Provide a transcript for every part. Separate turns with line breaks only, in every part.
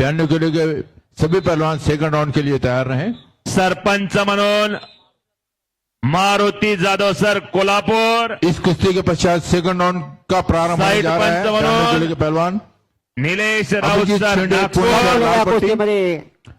92 kilo के सभी पहलवान second round के लिए तैयार रहें।
सरपंच म्हणून मारुती जाधव सर कोल्हापूर,
इस कुश्ती के पश्चात सेकंड राउंड का प्रारंभ होने जा रहा है।
साइड पंच
92 किलो के पहलवान
निलेश राऊत
अभिजीत
सर
शेंडे,
नागपूर,
लाल पट्टी।
कुस्तीमध्ये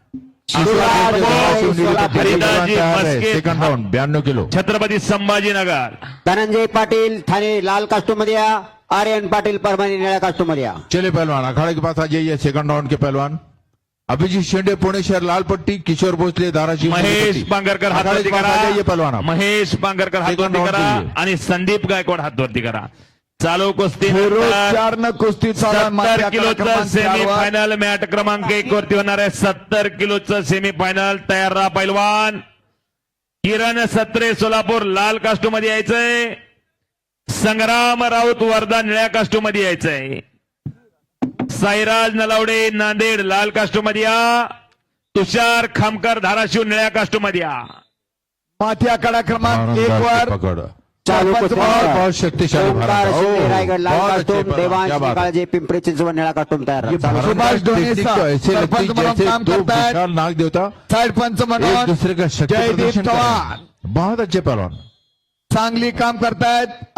Haridasji Maske,
second round 92 kilo.
Chhatrapati Sambhajinagar.
Dhananjay Patil Thane लाल कास्टूम मध्ये या, आर्यन पाटील परभणी निळ्या कास्टूम मध्ये या।
चले पहलवान अखाड़े के पास आ जाइए। सेकंड राउंड के पहलवान अभिजीत शेंडे पुणे शहर लाल पट्टी, किशोर भोसले धाराशिव
महेश पांगरकर हात
अखाड़े
वरती
के पास आ जाइए पहलवान
करा,
आप।
महेश पांगरकर हात
सेकंड
वरती
राउंड
करा
के लिए।
आणि संदीप गायकवाड हात वरती करा। चालू कुस्ती
फिरोज चारनं कुस्ती चालू आहे.
70
माथ्या
किलोचं
क्रमांक चारवर.
सेमीफायनल मॅट क्रमांक 1 वरती होणार आहे। 70 किलोचं सेमीफायनल तयार राहा पैलवान। किरण सत्रे सोलापूर लाल कास्टूम मध्ये यायचंय, संग्राम राऊत वर्धा निळ्या कास्टूम मध्ये यायचंय, साईराज नलावडे नांदेड लाल कास्टूम मध्ये या, तुषार खामकर धाराशिव निळ्या कास्टूम मध्ये या।
माथी आखाडा क्रमांक 1 वर
पकड़
चालू
सरपंच
कुस्ती
म्हणून
बहुत शक्तिशाली
ओंकार
भारत।
शिंदे रायगड लाल
बहुत अच्छे
कास्टूम,
पहलवान,
देवांश
क्या बात है।
निकाळजे पिंपरी चिंचवड निळा कास्टूम तयार
ये
राहा।
भारत
सुभाष
का
ढोणे
टेक्निक
साहब,
तो ऐसे
सरपंच
लगती
म्हणून
जैसे
काम
दो
करतायत।
विशाल नाग देवता
साइड पंच
एक
म्हणून
दूसरे का शक्ति
जयदीप
प्रदर्शन कर रहे
चव्हाण
हैं। बहुत अच्छे पहलवान।
चांगली काम करतायत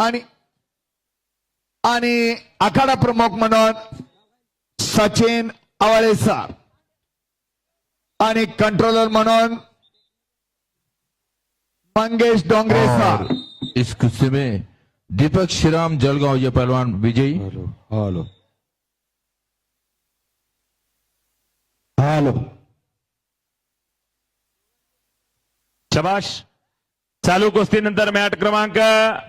आणि आखाडा प्रमुख म्हणून सचिन आवाळे सर आणि कंट्रोलर म्हणून मंगेश डोंगरे सर।
और इस कुश्ती में दीपक श्रीराम जलगांव ये पहलवान विजयी।
हेलो
शबाश। चालू कुस्तीनंतर मॅट क्रमांक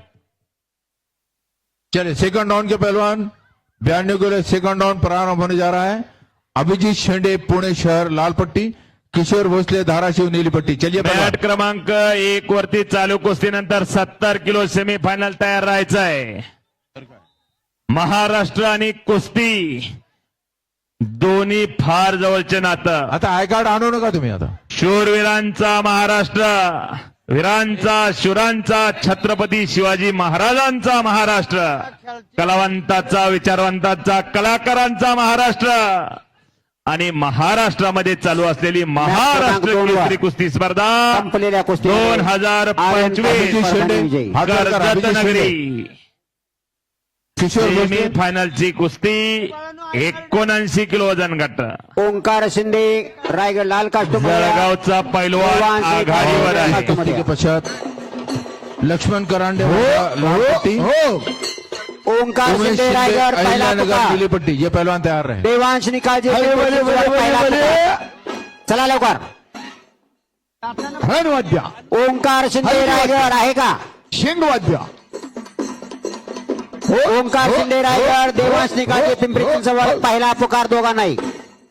चले सेकंड राउंड के पहलवान 92 किलो सेकंड राउंड प्रारंभ होने जा रहा है। अभिजीत शेंडे पुणे शहर लाल पट्टी, किशोर भोसले धाराशिव नीली पट्टी। चलिए पहलवान।
मॅट क्रमांक 1 वरती चालू कुस्तीनंतर 70 किलो सेमीफायनल तयार राहायचं आहे। महाराष्ट्र आणि कुस्ती दोन्ही फार जवळचे नातं।
आता आय कार्ड आणू नका तुम्ही आता।
शूरवीरांचा महाराष्ट्र, वीरांचा शूरांचा छत्रपती शिवाजी महाराजांचा महाराष्ट्र, कलावंताचा विचारवंताचा कलाकारांचा महाराष्ट्र आणि महाराष्ट्रामध्ये चालू असलेली महाराष्ट्र केसरी कुस्ती स्पर्धा
संपलेल्या कुस्ती
2025
अभिजीत शेंडे
विजयी।
हात वर करा,
कर्जत
अभिजीत शेंडे।
नगरी
किशोर भोसले
सेमीफायनलची कुस्ती 79 किलो वजन गट।
ओंकार शिंदे रायगड लाल कास्टूम मध्ये या।
जळगावचा पैलवान आघाडीवर आहे।
कुश्ती के पश्चात लक्ष्मण करांडे लाल पट्टी,
ओंकार
उमेश
शिंदे
शिंदे
रायगड पहिला
अहिल्यानगर
पुकार,
नीली पट्टी। ये पहलवान तैयार रहे।
देवांश निकाळजे
भले,
पिंपरी
भले,
चिंचवड
भले,
पहिला
भले,
पुकार। चला लवकर।
रणवाद्य
ओंकार शिंदे रायगड आहे का?
शिंगवाद्य
ओंकार शिंदे रायगड, देवांश निकाळजे पिंपरी चिंचवड पहिला पुकार दोघांनाही।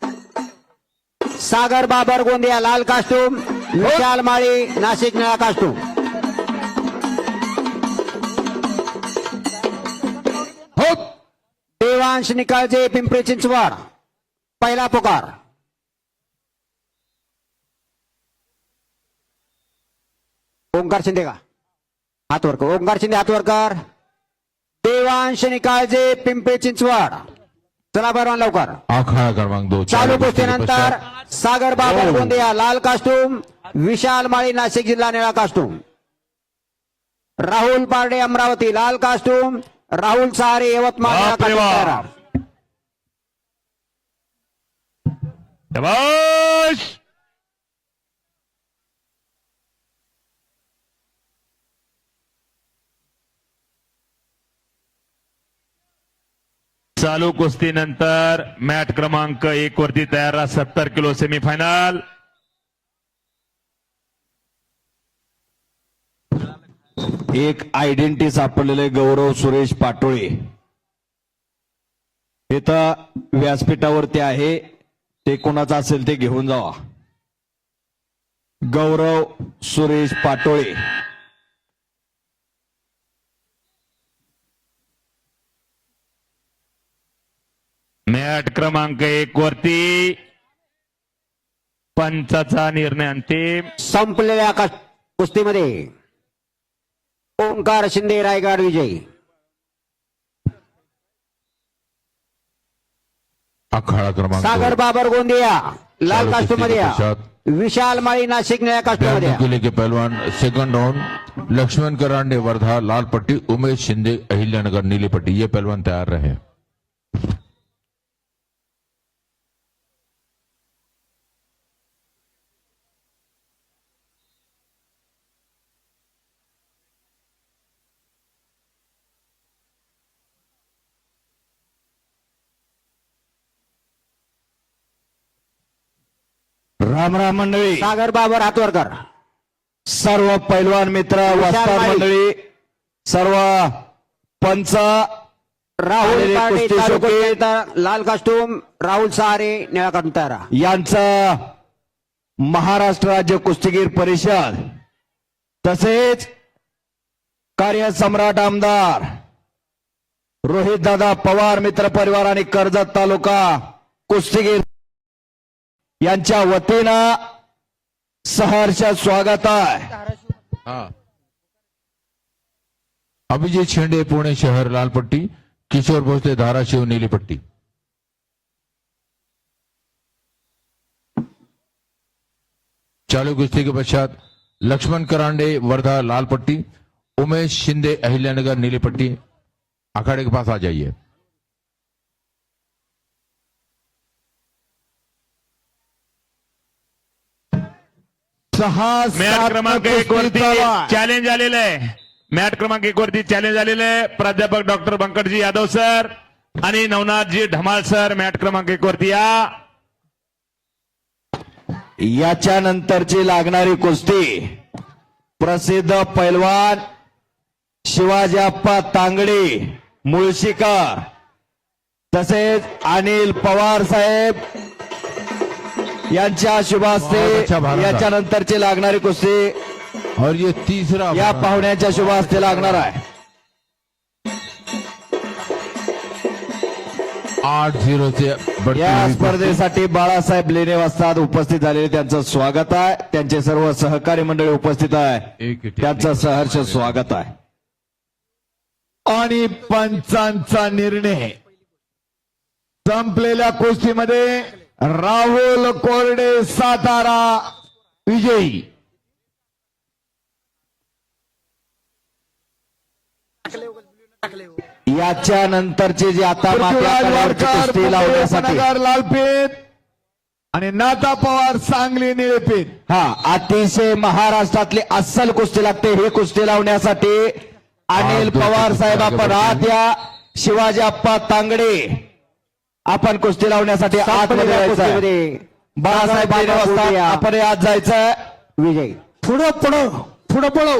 सागर बाबर गोंदिया लाल कास्टूम, विशाल माळी नाशिक निळा कास्टूम।
हो
देवांश निकाळजे पिंपरी चिंचवड पहिला पुकार। ओंकार शिंदे का हात वर कर, ओंकार शिंदे हात वर कर। देवांश निकाळजे पिंपरी चिंचवड। चला बरवान लवकर।
आखाड़ा क्रमांक 2
चालू कुस्तीनंतर सागर बाबर गोंदिया लाल कास्टूम, विशाल माळी नाशिक जिल्हा निळा कास्टूम, राहुल पारडे अमरावती लाल कास्टूम, राहुल सहारे यवतमाळ निळा
बापरे
कास्टूम
बाप।
तयार।
शबाश। चालू कुस्तीनंतर मॅट क्रमांक 1 वरती तयार राहा। 70 किलो सेमीफायनल।
एक आयडेंटिटी सापडलेले गौरव सुरेश पाटोळे इथं व्यासपीठावरती आहे, ते कोणाचं असेल ते घेऊन जावा। गौरव सुरेश पाटोळे
मॅट क्रमांक 1 वरती पंचाचा निर्णय अंतिम।
संपलेल्या कुस्तीमध्ये ओंकार शिंदे रायगड विजयी।
अखाड़ा क्रमांक
सागर बाबर गोंदिया लाल
चालू
कास्टूम मध्ये या.
कुस्ती के पश्चात
विशाल माळी नाशिक निळ्या कास्टूम मध्ये
92
या.
किलो के पहलवान सेकंड राउंड लक्ष्मण करांडे वर्धा लाल पट्टी, उमेश शिंदे अहिल्यानगर नीली पट्टी, ये पहलवान तैयार रहे.
राम राम मंडळी,
सागर बाबर हातवरकर.
सर्व पैलवान मित्र, वस्ताद
माळी.
मंडळी, सर्व पंच,
राहुल
आलेले
पारडे
कुस्ती
चालू
शौकीन.
कुस्तीनंतर लाल कास्टूम, राहुल सहारे निळ्या कास्टूम तयार राहा.
यांचं महाराष्ट्र राज्य कुस्तीगीर परिषद तसेच कार्यसम्राट आमदार रोहित दादा पवार मित्र परिवार आणि कर्जत तालुका कुस्तीगीर यांच्या वतीनं सहर्ष स्वागत आहे.
हाँ. अभिजीत शेंडे पुणे शहर लाल पट्टी, किशोर भोसले धाराशिव नीली पट्टी. चालू कुश्ती के पश्चात लक्ष्मण करांडे वर्धा लाल पट्टी, उमेश शिंदे अहिल्यानगर नीली पट्टी. अखाड़े के पास आ जाइए.
मॅट क्रमांक 1 वरती चॅलेंज आलेलं आहे. मॅट क्रमांक 1 वरती चॅलेंज आलेलं आहे. प्राध्यापक डॉक्टर बंकटजी यादव सर आणि नवनाथजी ढमाल सर मॅट क्रमांक 1 वरती या.
याच्या नंतरची लागणारी कुस्ती प्रसिद्ध पैलवान शिवाजीप्पा तांगडे मुळशीकर तसेच अनिल पवार साहेब यांच्या शुभास्ते
बहुत अच्छा भारत.
याच्या नंतरची लागणारी कुस्ती
और ये तीसरा
या पाहुण्याच्या शुभास्ते लागणार आहे.
8-0 से बढ़ती
या
हुई कुश्ती.
स्पर्धेसाठी बाळासाहेब लेणे वस्ताद उपस्थित झालेले त्यांचं स्वागत आहे. त्यांचे सर्व सहकारी मंडळी उपस्थित आहे,
एक
त्यांचं सहर्ष स्वागत आहे.
आणि पंचांचा निर्णय संपलेल्या कुस्तीमध्ये राहुल कोरडे सातारा विजयी.
याच्या नंतरची जी आता
पृथ्वीराज
माथ्याकड्यावरची
वाडकर
कुस्ती लावण्यासाठी
नगर लालपेठ आणि नाता पवार सांगली निळेपेठ.
हा अतिशय महाराष्ट्रातली अस्सल कुस्ती लागते. ही कुस्ती लावण्यासाठी अनिल
दोन
पवार
कुस्ती
साहेब
लागते.
आपण आत या. शिवाजी आप्पा तांगडे आपण कुस्ती लावण्यासाठी आतमध्ये
संपलेल्या
जायचं आहे.
कुस्तीमध्ये
बाळासाहेब
सागर
लेणे
बाबर
वस्ताद
गोंदिया
आपण आत जायचं.
विजयी.
पुढं पुढं पुढं पळव.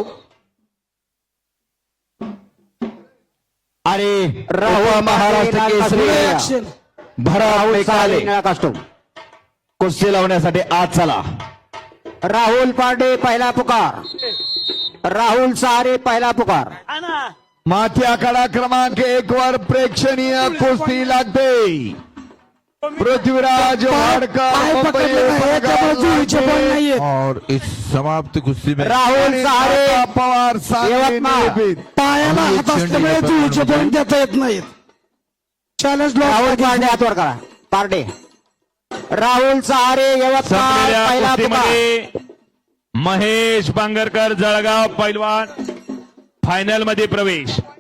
आणि
राहुल
महाराष्ट्र
पाटील,
केसरी
राहुल
भरत
सहारे
मेकाले
निळ्या कास्टूम.
कुस्ती लावण्यासाठी आत चला.
राहुल पारडे पहिला पुकार, राहुल सहारे पहिला पुकार.
माथी आखाडा क्रमांक 1 वर प्रेक्षणीय कुस्ती लागते. पृथ्वीराज वाडकर मुंबई उपनगर
और इस समाप्त कुश्ती में
राहुल सहारे
नाता पवार सांगली
यवतमाळ.
निळेपेठ.
पायाला हात असल्यामुळे जुळीचे पॉईंट
देता येत नाहीत. चॅलेंज
राहुल पारडे हातवर करा. पारडे राहुल सहारे यवतमाळ
संपलेल्या
पहिला पुकार.
कुस्तीमध्ये महेश पांगरकर जळगाव पैलवान फायनल मध्ये प्रवेश.